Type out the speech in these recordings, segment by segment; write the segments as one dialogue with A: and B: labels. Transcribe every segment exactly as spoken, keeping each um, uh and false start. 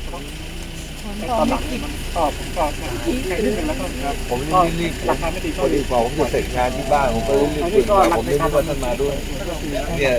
A: ตอนหลังมันก็ผมก็แค่นิดนึงแล้วก็
B: ผมรีบๆราคาไม่ดีพอดีพอผมจะเสร็จงานที่บ้านผมก็รีบๆตื่นมาผมไม่รู้ว่าท่านมาด้วยเนี่ย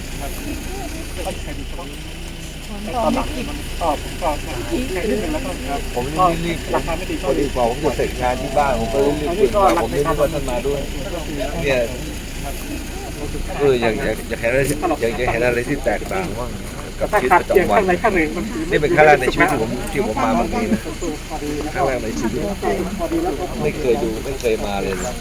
A: ตอนหลังมันก็ผมก็แค่นิดนึงแล้วก็
B: ผมรีบๆราคาไม่ดีพอดีพอผมจะเสร็จงานที่บ้านผมก็รีบๆตื่นมาผมไม่รู้ว่าท่านมาด้วยเนี่ยเอออยากอยากอยากเห็นอะไรอยากอยากเห็นอะไรที่แตกต่างว่างกับชีวิตประจำวันนี่เป็นครั้งแรกในชีวิตที่ผมที่ผมมาบางทีนะครั้งแรกในชีวิตไม่เคยดูไม่เคยมาเลยนะ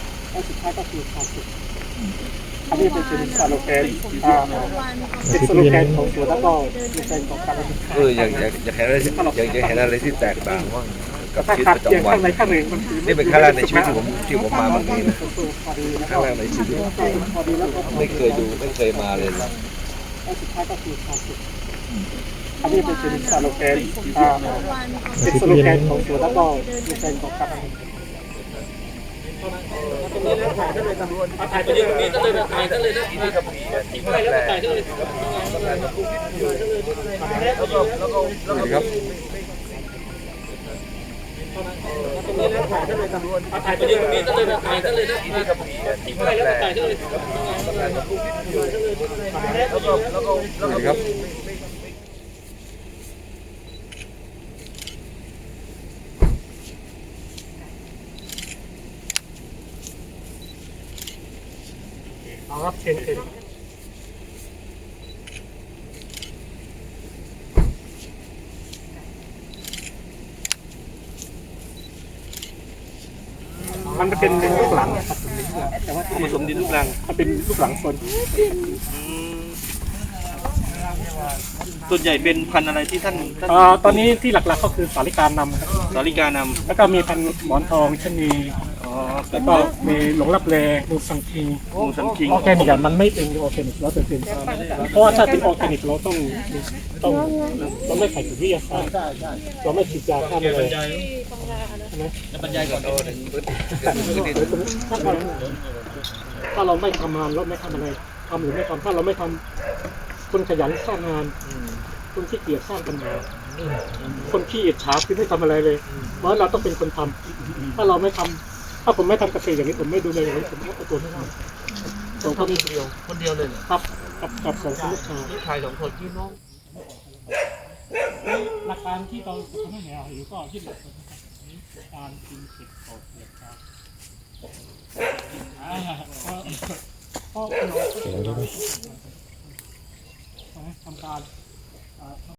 A: อันนี้เป็นสโลแกนเป็นสโลแกนของสวนแล้วก็เป็นสโลแกนของการ
B: เอออยากอยากอยากเห็นอะไรอยากอยากเห็นอะไรที่แตกต่างว่างกับชีวิตประจำวันนี่เป็นครั้งแรกในชีวิตที่ผมที่ผมมาบางทีนะครั้งแรกในชีวิตไม่เคยดูไม่เคยมาเลยนะ
A: อันนี้เป็นสโลแกนเป็นสโลแกนของสวนแล้วก็เป็นสโลแกนของการถ่ายไปเลยนี่ก็เลยถ่ายก็เลยนะถ่ายกับพี่ไปแล้วถ่ายก็เลยแล้วก็แล้วก็แล้วก็ครับถ่ายไปเลยนี่ก็เลยถ่ายก็เลยนะถ่ายกับพี่ไปแล้วถ่ายก็เลยแล้วก็แล้วก็แล้วก็ครับเอาครับเชิญเชิญมันจะเป็นลูกหลังครับแต่ว่าผสมดินลูกหลังมันเป็นลูกหลังส่วน
C: ส่วนใหญ่เป็นพันธุ์อะไรที่ท่าน
A: ตอนนี้ที่หลักๆก็คือสาลิกานำครับ
C: สาลิกานำ
A: แล้วก็มีพันธุ์หมอนทองชนีแล้วก็มีหลงรับแลมูสังคิง
C: มูสังคิง
A: ออร์แกนิกมันไม่เป็นออร์แกนิกร้อยเปอร์เซ็นต์เพราะว่าถ้าเป็นออร์แกนิกเราต้องต้องเราไม่ใส่ถุงวิทยาศาสตร์เราไม่ฉีดยาฆ่าแมลงใช่ไหม
C: บรรยายก่อน
A: ถ้าเราไม่ทำงานเราไม่ทำอะไรทำหรือไม่ทำถ้าเราไม่ทำคนขยันสร้างงานคนขี้เกียจสร้างปัญหาคนขี้อิจฉาคือไม่ทำอะไรเลยเพราะเราต้องเป็นคนทำถ้าเราไม่ทำถ้าผมไม่ทำเกษตรอย่างนี้ผมไม่ดูแลอย่างนี้ผมก็ตัวไม่ทำสองคนเดียว
C: คนเดียวเลย
A: ครับกับกับสองคนลูกชาย
C: ลูกชายสองคนพี่น้อง
A: หลักการที่เราทำให้แนวอยู่ก็ที่หลักการกินเก็บออกเกี่ยวกับอ่าก็ก็เราทำการ